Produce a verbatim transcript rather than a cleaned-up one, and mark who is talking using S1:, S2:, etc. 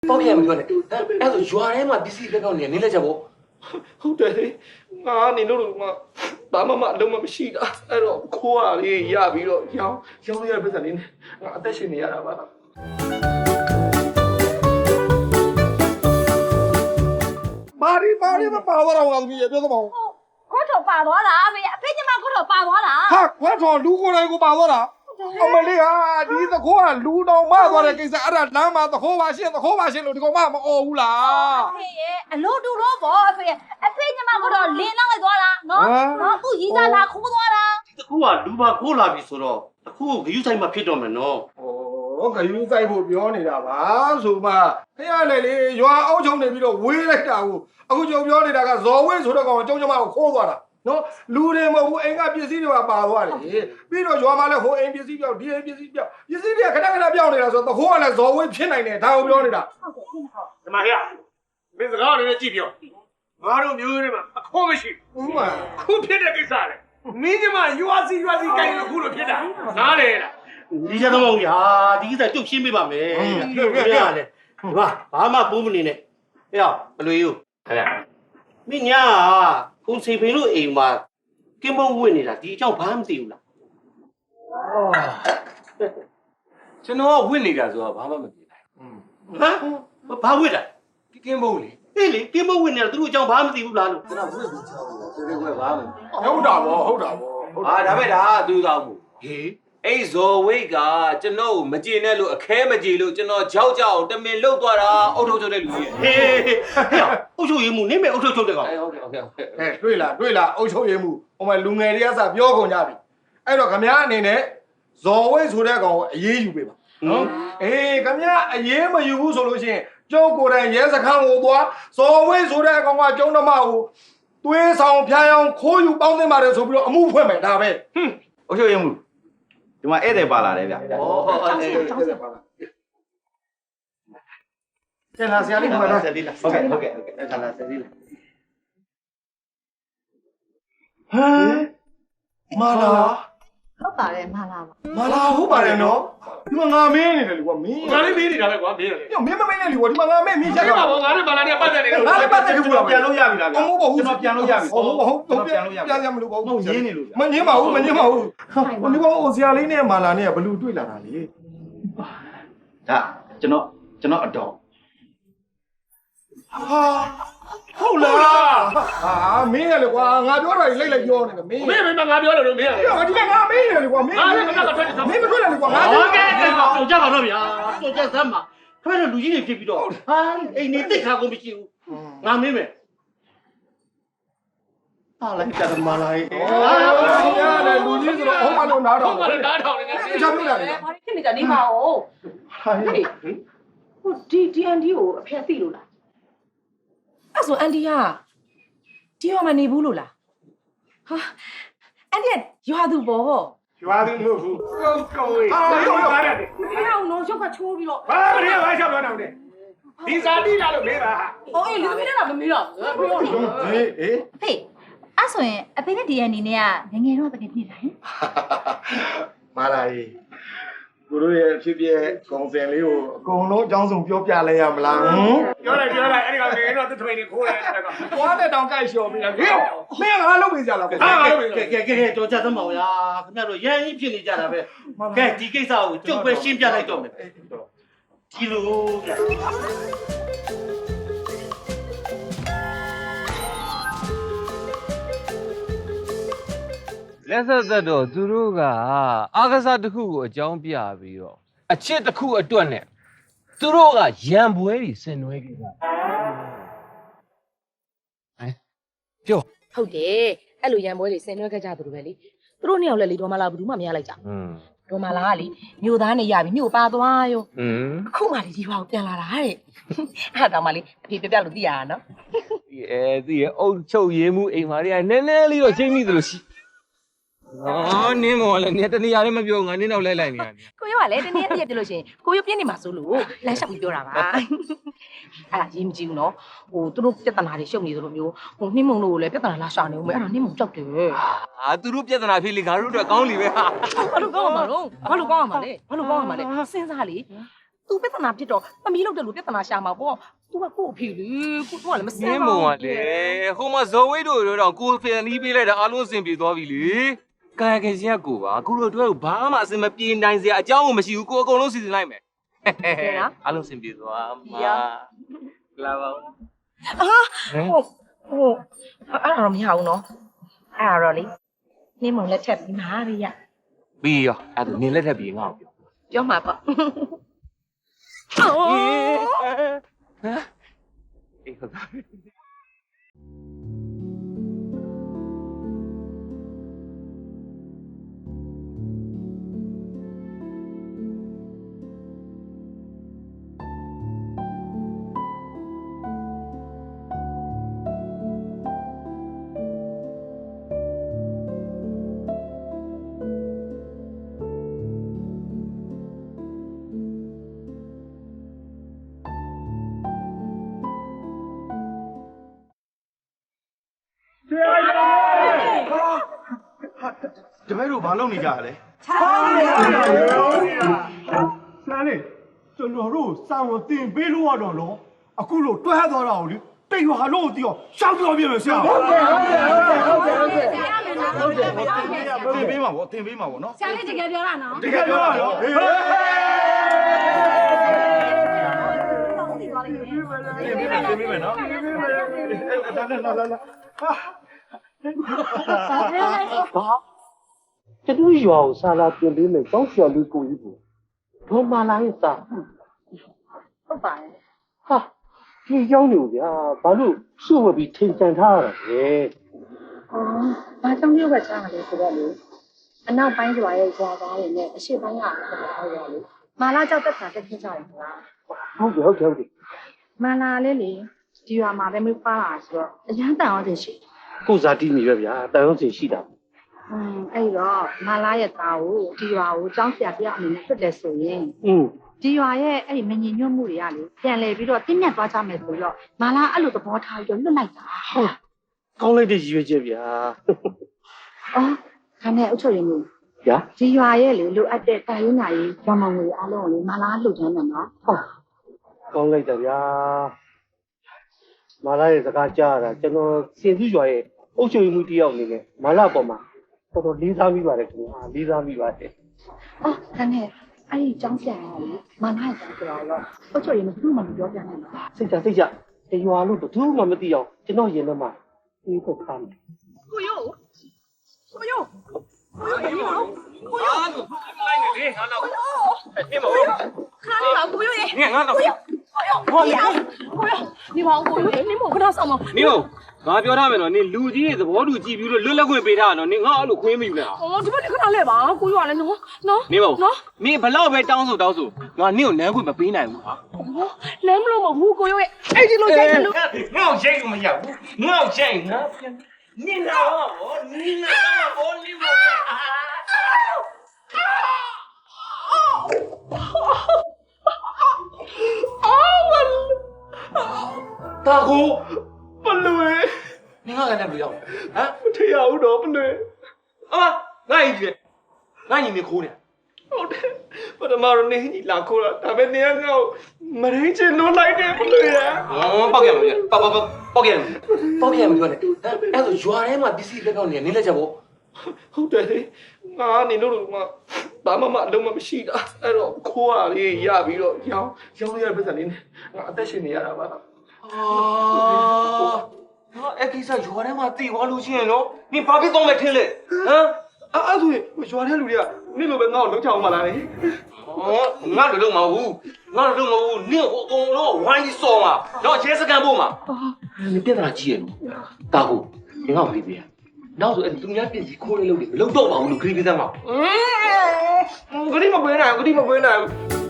S1: ပေါ့ပြမပြောနဲ့အဲ့ဆိုရွာထဲမှာပစ္စည်းလက်ကောက်နေနေလက်ချက်ပေါ့
S2: ဟုတ်တယ်လေငါနေလို့လို့ငါဘာမှမအလုံးမမရှိတာအဲ့တော့ခိုးရလေးရပြီးတော့ရောင်းရောင်းရတဲ့ပတ်စံလေးနဲ့ငါအသက်ရှင်နေရတာပါမာရီမာရီမပါတော့တော့ငါသမီးရပြောသမောင်း
S3: ခွတ်တော်ပါသွားတာဖေအဖေညီမခွတ်တော်ပါသွားတာ
S2: ဟာခွတ်တော်လူကိုယ်တိုင်ကိုပါသွားတာအမလေးဟာဒီသခိုးကလူတော်မသွားတဲ့ကိစ္စအဲ့ဒါလမ်းမှာသခိုးပါရှင်းသခိုးပါရှင်းလို့ဒီကောင်မမအော်ဘူးလား
S3: အဖေရဲ့အလို့တူတော့ဗောအဖေအဖေညီမခွတ်တော်လင်းလောက်လိုက်သွားတာနော်နော်အခုရီစားလာခိုးသွားတာ
S1: ဒီခုကလူပါခိုးလာပြီဆိုတော့အခုဂယုဆိုင်မှာဖြစ်တော့မယ်နော်
S2: ဩဂယုဆိုင်ဖို့ပြောနေတာပါဆိုမှခရလေလေရွာအောက်ချုံနေပြီးတော့ဝေးလိုက်တာကိုအခုကျုံပြောနေတာကဇော်ဝင်းဆိုတဲ့ကောင်ကျုံကျမကိုခိုးသွားတာနော်လူတွေမဟုတ်ဘူးအိမ်ကပစ္စည်းတွေပါပါသွားတယ်ပြီးတော့ရွာမှာလည်းဟိုအိမ်ပစ္စည်းပြောက်ဒီအိမ်ပစ္စည်းပြောက်ပစ္စည်းတွေကခဏခဏပြောင်းနေတာဆိုတော့သခိုးကလည်းဇော်ဝင်းဖြစ်နိုင်တယ်ဒါကိုပြောနေတာ
S3: ဟုတ်ကဲ့ဟုတ်ဟုတ်
S4: ဒီမှာဟဲ့မင်းစကားလေးနဲ့ကြည့်ပြောငါတို့မျိုးတွေမှာအခေါ်မရှိ
S2: ဘူးမှ
S4: ခုဖြစ်တဲ့ကိစ္စလေမင်းကမှယူအစီယူအစီကိုင်းလို့ခုလိုဖြစ်တာနားလေလား
S1: ဒီချက်တော့ဗျာဒီကိစ္စတုတ်ရှင်းပေးပါမယ်ပြောပြရလေဒီမှာဘာမှပိုးမနေနဲ့ဟဲ့ဘလွေယူဟဲ့မင်းညာခုစီဖိန်လို့အိမ်မှာကင်းမုံဝင်နေတာဒီအကြောင်းဘာမှမသိဘူးလား
S4: ကျွန်တော်ကဝင့်နေတာဆိုတာဘာမှမသိဘူး
S1: ဟမ်ဘာဝစ်တာ
S4: ကင်းမုံလေ
S1: အေးလေကင်းမုံဝင်နေတာသူတို့အကြောင်းဘာမှမသိဘူးလားလို့
S4: ကျွန်တော်ဝင့်ပြီးချောင်းတယ်ဆိုတဲ့ကွယ်ဘာမှ
S2: ဟုတ်တာဗောဟုတ်တာဗော
S4: ဟာဒါပဲဒါသူတော်ဘူး
S1: ဟေး
S4: အဲ့ဇော်ဝိတ်ကကျွန်တော်မကြည်နဲ့လို့အခဲမကြည်လို့ကျွန်တော်ကြောက်ကြောက်တမင်လှုပ်သွားတာအုတ်ထုတ်ထုတ်တဲ့လူကြီး
S1: ဟေးအုတ်ချုပ်ရည်မှုနင်းမဲ့အုတ်ထုတ်ထုတ်တဲ့ကောင်
S4: ဟုတ်ကဲ့ဟုတ်ကဲ့
S2: ဟဲ့တွေ့လားတွေ့လားအုတ်ချုပ်ရည်မှုဟိုမှာလူငယ်တွေကစပြောကုန်ကြပြီအဲ့တော့ခမ ्या အနေနဲ့ဇော်ဝိတ်ဆိုတဲ့ကောင်ကိုအေးအေးယူပေးပါနော်အေးခမ ्या အေးမယူဘူးဆိုလို့ရှိရင်ကျုပ်ကိုယ်တိုင်ရဲစခန်းကိုသွားဇော်ဝိတ်ဆိုတဲ့ကောင်ကကျုံဓမ္မကိုသွေးဆောင်ဖျားအောင်ခိုးယူပေါင်းသိမ်းပါတယ်ဆိုပြီးတော့အမှုဖွင့်မယ်ဒါပဲ
S5: ဟွန်းအုတ်ချုပ်ရည်မှုဒီမှာဧည့်သည်ပါလာတယ်ဗျ
S4: ဩဟုတ်တယ်
S2: ဟုတ်ပါလားကျန်လာဆရာလေးမှာတော့
S1: ဆက်လေးလားဟုတ်ကဲ့ဟုတ်ကဲ့ဟုတ်ကဲ့အဲ့ဒါလားဆက်လေးလား
S2: ဟမ်မာလာ
S3: ဟုတ်ပါတယ်မလာပါ
S2: မာလာဟုတ်ပါတယ်နော်ဒီမှာငါမင်းနေတယ်လေကွာမင်း
S4: ငါလေးမေးနေတာပဲကွာမင်းလေ
S2: ညမင်းမမင်းနဲ့လေကွာဒီမှာငါမင်းမင်းရက်
S4: ရပါဘောငါလေးပါလာနေပတ်သက်နေတယ်
S2: ငါလည်းပတ်သက်ဘူးလား
S5: ပြန်လို့ရပြီလားဗျာ
S2: ဟုတ်ဟုတ်
S5: ကျွန်တော်ပြန်လို့ရပြီ
S2: ဟုတ်ဟုတ်ဟုတ်ပြန်လို့ရပြန်ရမလို့ပေါ့ဟုတ်ရင်းနေလို့မငင်းပါဘူးမငင်းပါဘူးဟိုဒီကောင်ဆရာလေးနဲ့မာလာနဲ့ကဘလူတွေ့လာတာလေ
S5: ဒါကျွန်တော်ကျွန်တော်အတော်
S2: ဟာဟုတ်လားဟာမင်းရလေကွာငါပြောတာကြီးလိုက်လိုက်ပြောနေတယ်မင်း
S4: မင်းမင်းငါပြောလို့မင်းလေ
S2: ဒီမှာငါမင်းရလေကွာမင်း
S4: ငါလည်းမကထွက်တယ်
S2: မင်းမထွက်တယ်လေကွာငါ
S1: ဟုတ်ကဲ့တော့ကြပါတော့ဗျာတော့ကြစမ်းပါခွဲတော့လူကြီးတွေဖြစ်ပြီးတော့ဟာအိမ်နေတိတ်ခါကုန်မရှိဘူးငါမင်းမယ်ဟာလိုက်ကြတယ်မလာရေး
S2: ဟာရတယ်လူကြီးဆိုတော့ဟောမလို့နားတော့
S4: ဟုတ်ပါလားနားထောင်နေတယ်
S2: ချပြောတာလေ
S3: ဘာဖြစ်နေကြနေပါဦးဟေးဟိုဒီဒီအန်ဒီကိုအဖေသိလို့လားအဲ့ဆိုအန်ဒီကဒီရောမနေဘူးလို့လားဟာအန်ဒီရွာသူပေါ့
S4: ရွာသူမဟုတ်ဘူးကောင်းကောင်းလေး
S2: ဟာရောရော
S3: မင်းအောင်တော့ရုပ်ကချိုးပြီးတော့
S4: ဘာမင်းဘာရှောက်ပြောနေတယ်ဒီစာတိလာလို့မေးပါ
S3: ဟိုအေးလူသမီးနဲ့တော့မမေးတော့ဘူးပြောနေ
S2: ဟေးဟေး
S6: ဖေအဲ့ဆိုရင်အဖေနဲ့ဒီအနေနဲ့ကငငယ်တော့တကယ်ပြည်တာဟင်
S2: မာလာကြီးကိုတို့ရဲ့ဖြစ်ဖြစ်ကောင်စင်လေးကိုအကုန်လုံးအကြောင်းစုံပြောပြလဲရမလားဟမ်
S4: ပြောလိုက်ပြောလိုက်အဲ့ဒီကောင်ငယ်တော့သူထွေနေခိုးတယ်အဲ့ကောင်
S2: သွားတဲ့တောင်ကြိုက်လျှော်ပြီးတာဟေးမင်းငါလုပ်ပေးကြလား
S4: ဟာငါလုပ်ပေး
S1: ကဲကဲကဲကြောကြသမောင်ရာခင်ဗျားတို့ရန်ကြီးဖြစ်နေကြတာပဲကဲဒီကိစ္စကိုကျုပ်ပဲရှင်းပြလိုက်တော့မယ်ဒီလိုဗျ
S7: လက်ဆက်သက်တော့သူတို့ကအာကစားတစ်ခုကိုအကြောင်းပြပြီးတော့အချစ်တစ်ခုအတွက်နဲ့သူတို့ကရံပွဲတွေဆင်နွှဲခဲ့တာဟမ်ပြော
S3: ဟုတ်တယ်အဲ့လိုရံပွဲတွေဆင်နွှဲခဲ့ကြသူတို့ပဲလေသူတို့နှစ်ယောက်လည်းလေဒေါ်မာလာဘူးမှမရလိုက်ကြ
S7: อืม
S3: ဒေါ်မာလာကလေမြို့သားနဲ့ရပြီမြို့ပါသွားရော
S7: อืม
S3: အခုမှလေဒီဘာကိုပြန်လာတာတဲ့အဲ့ဒါမှလေအဖေပြပြလို့သိရတာနော်
S7: အဲသိရအုတ်ချုပ်ရေးမှုအိမ်မာတွေကနည်းနည်းလေးတော့ချိန်မိသလိုရှိအော်နင်းမော်လည်းနေတနေရာလည်းမပြောငါနင်းတော့လဲလိုက်နေရတယ်
S3: ကိုရောကလည်းတနေ့အပြည့်ပြလို့ရှိရင်ကိုရောပြင်းနေမှာစိုးလို့လမ်းလျှောက်ပြီးပြောတာပါအဲ့ဒါရေးမကြည့်ဘူးနော်ဟိုသူတို့ပြဿနာတွေရှုပ်နေသလိုမျိုးဟိုနှင်းမုံတို့ကိုလည်းပြဿနာလာရှာနေဦးမယ်အဲ့ဒါနှင်းမုံကြောက်တယ်
S7: ဟာသူတို့ပြဿနာဖြစ်လေငါတို့အတွက်ကောင်းလီပဲဟာ
S3: ဘာလို့ကောင်းမှာတော့ဘာလို့ကောင်းမှာလဲဘာလို့ကောင်းမှာလဲစဉ်းစားလေသူ तू ပြဿနာဖြစ်တော့သမီးလောက်တယ်လို့ပြဿနာရှာမှာပေါ့ तू ကကို့အဖေလေကို့ကလည်းမစ
S7: န
S3: မ်း
S7: င်း
S3: ပါ
S7: မုံ
S3: ဘူး
S7: ကလေဟိုမှာဇော်ဝိတ်တို့တော့ကိုဖန်နီးပေးလိုက်တာအားလုံးအဆင်ပြေသွားပြီလေကာယကင်ရှင်ကကိုပါအခုတို့အတွက်ဘာမှအဆင်မပြေနိုင်စရာအကြောင်းမရှိဘူးကိုအကုန်လုံးစီစဉ်လိုက်မယ်အားလုံးအဆင်ပြေသွားမှာလာပါဦး
S3: အာဟုတ်ဟုတ်အဲ့ဒါတော့မရဘူးနော်အဲ့ဒါတော့လေနင်းမုံလက်ချက်ပြီးမှာဗျရ
S7: ပြီးရောအဲ့ဒါနင်းလက်ထပ်ပြီးငါ့ကိုပြော
S3: ပြောမှာပေါ့
S7: ဟမ်အေးဟုတ်ပါ
S2: တပည့်တို့ဘာလုပ်နေကြလဲဆန်းလေးကျွန်တော်တို့စောင်းကိုတင်ပေးလို့ရတော့လို့အခုလို့တွဲသွားတာကိုလေတိတ်ရွာလို့တီးတော့ရှောက်ပြောပြမယ်ဆရာဟုတ်ကဲ့ဟုတ်ကဲ့ဟုတ်ကဲ့ဟုတ်ကဲ့ဟုတ်ကဲ့ဟုတ်ကဲ့တင်ပေးမှာဗောတင်ပေးမှာဗောနော်
S6: ဆရာလေးတကယ်ပြောတာနော်
S2: တကယ်ပြောတာနော်ဟေးတင်ပေးမယ်တင်ပေးမယ်နော်လာလာလာလာဟာ
S1: ဘာကျွန်တော်ရွာကိုဆာလာပြင်ပေးမယ်တောင်းချော်လေးကိုကြီးဘူးဒေါ်မာလာရဲ့စာ
S3: ဟုတ်ပါရဲ့
S1: ဟာဒီကြောင်းနေဗျာဘာလို့စုဝပြီးထင်ကြံထားရတာလဲ
S3: အော်ဘာကြောင့်မျိုးပဲချားတယ်ဆိုတော့လေအနောက်ပိုင်းကျွာရဲ့ကျွာသားတွေနဲ့အရှိပိုင်းကဟုတ်ရောလေမာလာကြောက်တက်တာတက်ခင်းကြတယ်ကွာ
S1: ဟုတ်တယ်ဟုတ်တယ်ဟုတ်တယ်
S3: မာလာလေးလေဒီရွာမှာပဲမပါတာဆိုတော့အရန်တန်အောင်တင်ရှိ
S1: ကိုဇာတိမိပဲဗျာတန်ရုံးစင်ရှိတာ
S3: อืมအဲ့တော့မာလာရဲ့သားကိုဒီရွာကိုကျောင်းဆရာပြအနေနဲ့ထွက်တယ်ဆိုရင်
S1: อืม
S3: ဒီရွာရဲ့အဲ့ဒီမငြိမ်ညွတ်မှုတွေကလေပြန်လဲပြီးတော့တင်းမြတ်သွားကြမယ်ဆိုတော့မာလာအဲ့လိုသဘောထားပြီးတော့လွတ်လိုက်တာ
S1: ဟုတ်ကောင်းလိုက်တဲ့ရည်ရွယ်ချက်ဗျာ
S3: အော်ခါနဲ့အုတ်ချုပ်ရင်းမှု
S1: ဗျာ
S3: ဒီရွာရဲ့လေလိုအပ်တဲ့တာရင်းနာရေးကျောင်းမငွေအားလုံးကိုလေမာလာလှုပ်ချမ်းတယ်နော်ဟုတ်
S1: ကောင်းလိုက်တာဗျာမာလာရဲ့စကားကြားရတာကျွန်တော်စင်စုရွာရဲ့အုပ်ချုပ်မှုတယောက်အနေနဲ့မာလာပေါ်မှာတော်တော်လေးစားမိပါတယ်ခင်ဗျာလေးစားမိပါတယ်
S3: အော်ခါနဲ့အဲ့ဒီကျောင်းဆရာကလေမာလာရဲ့ကျောင်းဆိုတော့အုတ်ချုပ်ရင်းမှုဘယ်မှမပြောပြနိုင်ဘူး
S1: စိတ်ချစိတ်ချတရွာလို့ဘယ်သူမှမသိအောင်ကျွန်တော်ရင်ထဲမှာအေးဖို့ထားမယ်
S3: ကိုယိုကိုယို
S7: အားလုံးလိုက်နေလေငါတော့အေးမဟုတ်
S3: ခါလေးပါကိုယိုရေ
S7: ငါငါတော့
S3: ကိုယိုကိုယိုဒီမောင်ကိုယိုနေမောခဏဆောင်မ
S7: နင်းတို့ငါပြောထားမယ်နော်နင်လူကြီးရဲ့သဘောတူကြည့်ပြီးလို့လွတ်လပ်ခွင့်ပေးထားတာနော်နင်ငါအဲ့လိုခွင့်မယူနဲ့ဟာ
S3: အော်ဒီဘက်ခဏလဲပါကိုယိုကလည်းနော်နော်
S7: နင်းမနော်နင်ဘလောက်ပဲတောင်းဆိုတောင်းဆိုငါနင့်ကိုနန်းခွင့်မပေးနိုင်ဘူးဟာ
S3: လမ်းမလို့မဟုတ်ကိုယိုရဲ့အဲ့ဒီလိုရိုက်တယ်လို့
S4: ငါ့ကိုရိတ်လို့မရဘူးငါ့ကိုရိတ်ငါနင်းနာဘောနင်းနာဘောနင်းဘော
S2: တာကိုပလွေ
S4: နင်းကလည်းမရောက်ဟမ်
S2: မထရဘူးတော့ပလွေ
S4: အမငါ့ကြီးငါ့ညီမခိုးနေ
S2: ဟုတ်တယ်ပထမတော့နေကြီးလာခိုးတာဒါပေမဲ့နေငါ့ကိုမရင်းချင်လို့လိုက်တယ်ပလွေရ
S4: ဟောပောက်ရမှာပြပောက်ပောက်ပောက်ရမှာပောက်ရမှာပြောနေဟမ်အဲ့ဆိုရွာထဲမှာပစ္စည်းလက်ကောက်နေနေလက်ချက်ပေါ့
S2: ဟုတ်တယ်လေငါနေလို့လို့ဘာမှမအလုံးမမရှိတာအဲ့တော့ခိုးရလေးရပြီးတော့ရောင်းရောင်းရတဲ့ပတ်စံလေးနဲ့ငါအသက်ရှင်နေရတာပါ
S4: အာဟာအဲ့ကိစ္စရွာထဲမှာတည်သွားလို့ရှိရင်နော်နင်ဘာဖြစ်သွားမယ်ထင်လဲဟမ်
S2: အဲ့အဲ့ဆိုရင်ရွာထဲလူတွေကနေ့လိုပဲငါ့ကိုလုံးချအောင်မလားလေ
S4: ဟောငါတို့လုံးမဟုတ်ငါတို့လုံးမဟုတ်နင့်ဟိုအကုန်လုံးဝိုင်းစော်မှာတော့ရဲစကန်ဖို့မှာနင်ပြဿနာကြီးရဲ့နော်တာကိုနင်ကပြေးပြေးနောက်ဆိုအဲ့သူများပြင်စီခိုးလေးလုပ်တယ်မလုပ်တော့ပါဘူးလို့ခရီးပေးသမ်းပါ
S2: ဂရီမပွေးနိုင်ဂရီမပွေးနိုင်